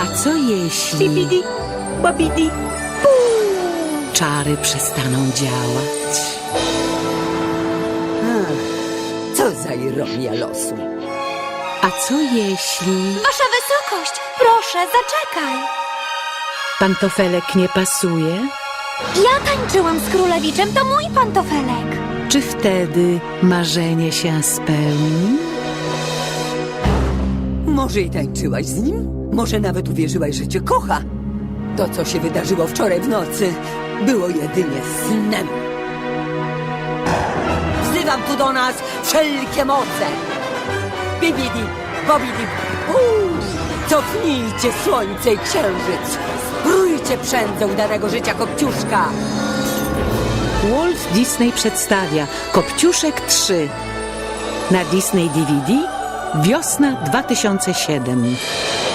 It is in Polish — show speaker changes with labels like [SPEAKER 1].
[SPEAKER 1] A co jeśli
[SPEAKER 2] Bibidi, babidi.
[SPEAKER 1] czary przestaną działać?
[SPEAKER 2] Co za ironia losu.
[SPEAKER 1] A co jeśli
[SPEAKER 3] Wasza wysokość, proszę, zaczekaj.
[SPEAKER 1] pantofelek nie pasuje?
[SPEAKER 3] Ja tańczyłam z królewiczem, to mój pantofelek.
[SPEAKER 1] Czy wtedy marzenie się spełni?
[SPEAKER 2] Może i tańczyłaś z nim? Może nawet uwierzyłaś, że cię kocha? To, co się wydarzyło wczoraj w nocy, było jedynie snem. Wzywam tu do nas wszelkie moce. Bibidi, bobidi, cofnijcie słońce i księżyc. Sprójcie przędzę udanego życia Kopciuszka.
[SPEAKER 1] Walt Disney przedstawia Kopciuszek 3 na Disney DVD wiosna 2007.